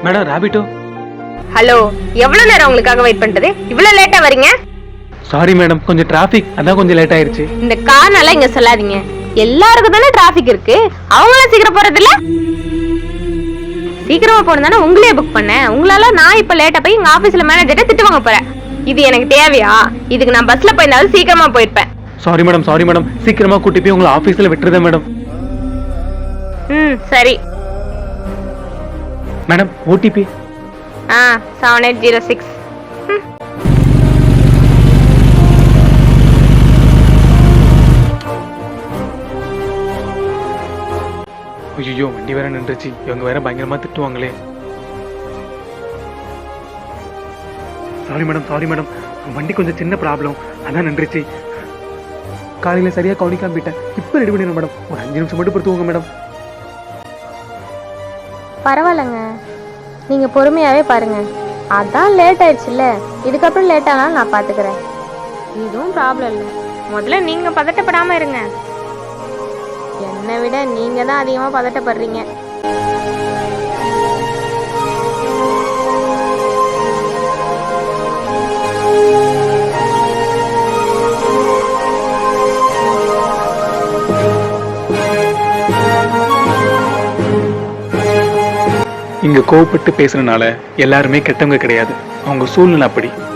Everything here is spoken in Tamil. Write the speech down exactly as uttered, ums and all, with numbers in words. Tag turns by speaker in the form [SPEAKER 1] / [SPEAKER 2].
[SPEAKER 1] Madam Rapido.
[SPEAKER 2] ஹலோ, எவ்வளவு நேரம் உங்களுக்காக வெயிட் பண்றது? இவ்வளவு லேட்டா வரீங்க?
[SPEAKER 1] சாரி மேடம், கொஞ்சம் டிராஃபிக், அதான் கொஞ்சம் லேட் ஆயிருச்சு.
[SPEAKER 2] இந்த காரணம் இங்க சொல்லாதீங்க. எல்லாருக்கும் தானே டிராஃபிக் இருக்கு, அவங்களும் சீக்கிரம் போறது இல்ல. சீக்கிரமா போனதானே உங்களே புக் பண்ணேன். உங்களால நான் இப்ப லேட்டா போய் எங்க ஆபீஸ்ல மேனேஜர்ட்ட திட்டு வாங்க போறேன். இது எனக்கு தேவையா? இதுக்கு நான் பஸ்ல போயிருந்தாலும் சீக்கிரமா போயிருப்பேன்.
[SPEAKER 1] சாரி மேடம், சாரி மேடம், சீக்கிரமா கூட்டி போய் உங்களை ஆபீஸ்ல விட்டுறதேன் மேடம்.
[SPEAKER 2] ம் சரி
[SPEAKER 1] மேடம். ஓடிபி
[SPEAKER 2] ஆ செவன் எயிட் ஜீரோ சிக்ஸ்.
[SPEAKER 1] ஐயோ, வண்டி வேற நின்றுச்சு. இவங்க வேற பயங்கரமா திட்டுவாங்களே. சாரி மேடம், சாரி மேடம், வண்டி கொஞ்சம் சின்ன ப்ராப்ளம், அதான் நின்றுச்சு. காலையில சரியா கவனிக்காம போயிட்டேன். இப்ப ரெடி பண்ணிடுறேன் மேடம். ஒரு அஞ்சு நிமிஷம் மட்டும் பொறுத்துவோங்க மேடம்.
[SPEAKER 2] பரவாயில்லைங்க, நீங்க பொறுமையாவே பாருங்க. அதான் லேட் ஆயிடுச்சுல்ல, இதுக்கப்புறம் லேட் ஆனாலும் நான் பாத்துக்கிறேன். இதுவும் ப்ராப்ளம் இல்லை. முதல்ல நீங்க பதட்டப்படாம இருங்க. என்னை விட நீங்க தான் அதிகமா பதட்டப்படுறீங்க.
[SPEAKER 1] இங்க கோவப்பட்டு பேசுறதுனால எல்லாருமே கெட்டவங்க கிடையாது. அவங்க சூழ்நிலை அப்படி.